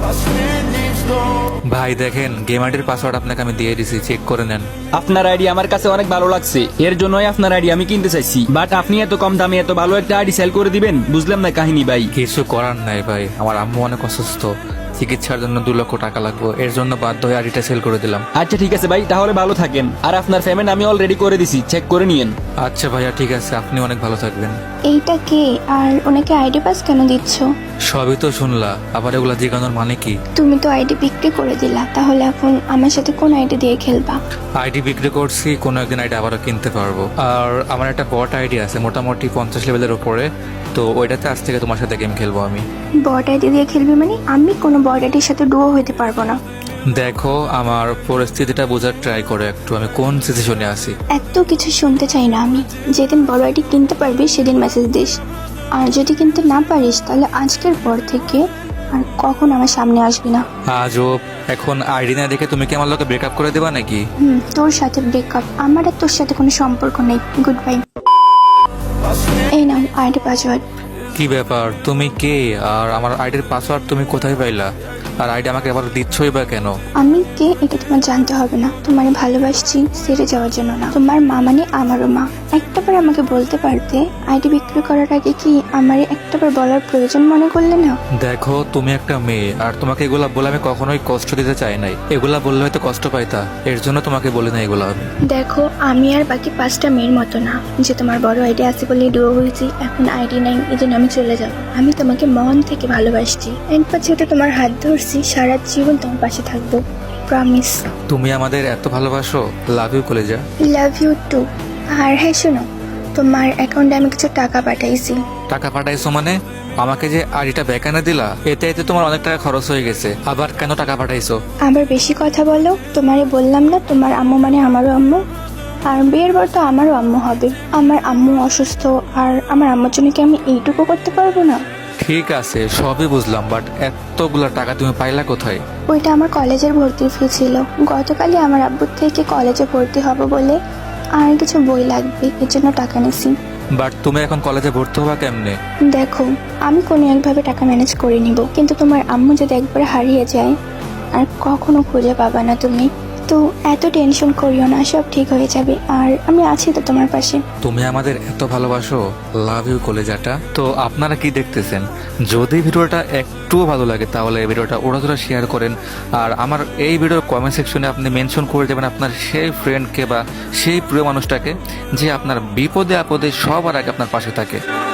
ভাই দেখেন, গেম আইডির পাসওয়ার্ড আপনাকে আমি দিয়ে দিছি, চেক করে নেন। আপনার আইডি আমার কাছে অনেক ভালো লাগছে, এর জন্যই আপনার আইডি আমি কিনতে চাইছি। বাট আপনি এত কম দামে এত ভালো একটা আইডি সেল করে দিবেন, বুঝলাম না কাহিনী ভাই। কিছু করার নাই ভাই, আমার আম্মু অনেক অসুস্থ, চিকিৎসার জন্য 2 লক্ষ টাকা লাগবে, এর জন্য বাধ্য হয়ে আইডিটা সেল করে দিলাম। আচ্ছা ঠিক আছে ভাই, তাহলে ভালো থাকেন। আর আপনার পেমেন্ট আমি অলরেডি করে দিছি, চেক করে নিয়েন। আচ্ছা ভাইয়া, ঠিক আছে, আপনি অনেক ভালো থাকবেন। এইটা কে আর ওনাকে আইডি পাস কেন দিচ্ছ? সবই তো শুনলা, আবার এগুলা জিজ্ঞানোর মানে কি? তুমি তো আইডি বিক্রি করে দিলা, তাহলে এখন আমার সাথে কোন আইডি দিয়ে খেলবা? আইডি বিক্রি করছি, কোনো একদিন আইডি আবারও কিনতে পারবো। আর আমার একটা বট আইডি আছে মোটামুটি 50 লেভেলের উপরে, তো ওইটাতে আজ থেকে তোমার সাথে গেম খেলবো আমি। বট আইডি দিয়ে খেলবি মানে? আমি কোনো বট আইডির সাথে ডুও হইতে পারবো না। দেখো, আমার পরিস্থিতিটা বোঝার ট্রাই করে একটু, আমি কোন সিচুয়েশনে আছি। এত কিছু শুনতে চাই না আমি। যেদিন বড় আইডি কিনতে পারবি সেদিন মেসেজ দিস, আর যদি কিনতে না পারিস তাহলে আজকের পর থেকে আর কখন আমার সামনে আসবি না। আজও এখন আইডি না দেখে তুমি কি আমার লোকে ব্রেকআপ করে দেবা নাকি? তোর সাথে ব্রেকআপ, আমার আর তোর সাথে কোনো সম্পর্ক নেই। Good bye. এই নাও আইডি পাসওয়ার্ড। কি ব্যাপার, তুমি কে? আর আমার আইডির পাসওয়ার্ড তুমি কোথায় পাইলা? আর আইডি আমাকে আবার দিচ্ছই বা কেন? আমি কে এটা তোমার জানতে হবে না। তোমার ভালোবাসছি ছেড়ে যাওয়ার জন্য না। তোমার মা মানে আমারও মা। একটাবার আমাকে বলতে পারতে, আইডি বিক্রি করার আগে কি আমারে একটাবার বলার প্রয়োজন মনে করলে না? দেখো, তুমি একটা মেয়ে, আর তোমাকে এগুলা বলে আমি কখনোই কষ্ট দিতে চাই নাই। এগুলা বললে হয়তো কষ্ট পাইতা, এর জন্য তোমাকে বলি না এগুলা আমি। দেখো, আমি আর বাকি 5টা মেয়ের মতো না যে তোমার বড় আইডি আছে বলে ডুয়ো হয়েছি, এখন আইডি নাই এই জন্য আমি চলে যাব। আমি তোমাকে মন থেকে ভালোবাসছি। একবার যেহেতু তোমার হাত ধরছি, সারা জীবন তোমার পাশে থাকবো, প্রমিস। তুমি আমাদের এত ভালোবাসো? লাভ ইউ কলেজা। Love you too. আর হ্যাঁ শোনো, তোমার অ্যাকাউন্টে আমি কিছু টাকা পাঠাইছি। টাকা পাঠাইছো মানে? আমাকে যে আইডিটা বেকানে দিলা, এতে এতে তোমার অনেক টাকা খরচ হয়ে গেছে, আবার কেন টাকা পাঠাইছো? আবার বেশি কথা বলো। তোমারে বললাম না তোমার আম্মু মানে আমারও আম্মু, আর বিয়ের পর তো আমারও আম্মু হবে। আমার আম্মু অসুস্থ, আর আমার আম্মুর জন্য কি আমি এইটুকু করতে পারবো না? ঠিক আছে, সবই বুঝলাম, বাট এতগুলা টাকা তুমি পাইলা কোথায়? ওইটা আমার কলেজের ভর্তির ফি ছিল। গতকালই আমার আব্বুর থেকে কলেজে ভর্তি হব বলে আর কিছু বই লাগবে, এর জন্য টাকা নিছি। বাট তুমি এখন কলেজে ভর্তি হবা কেমনে? দেখো, আমি কোনো একভাবে টাকা ম্যানেজ করে নিব, কিন্তু তোমার আম্মু যদি একবার হারিয়ে যায় আর কখনো খুঁজে পাবা না তুমি। তো এত টেনশন করিও না, সব ঠিক হয়ে যাবে, আর আমি আছি তো তোমার পাশে। তুমি আমাদের এত ভালোবাসো, লাভ ইউ কলেজাটা। তো আপনারা কি দেখতেছেন? যদি ভিডিওটা একটুও ভালো লাগে তাহলে এই ভিডিওটা ওরা শেয়ার করেন, আর আমার এই ভিডিওর কমেন্ট সেকশনে আপনি মেনশন করে দেবেন আপনার সেই ফ্রেন্ডকে বা সেই প্রিয় মানুষটাকে যে আপনার বিপদে আপদে সবার আগে আপনার পাশে থাকে।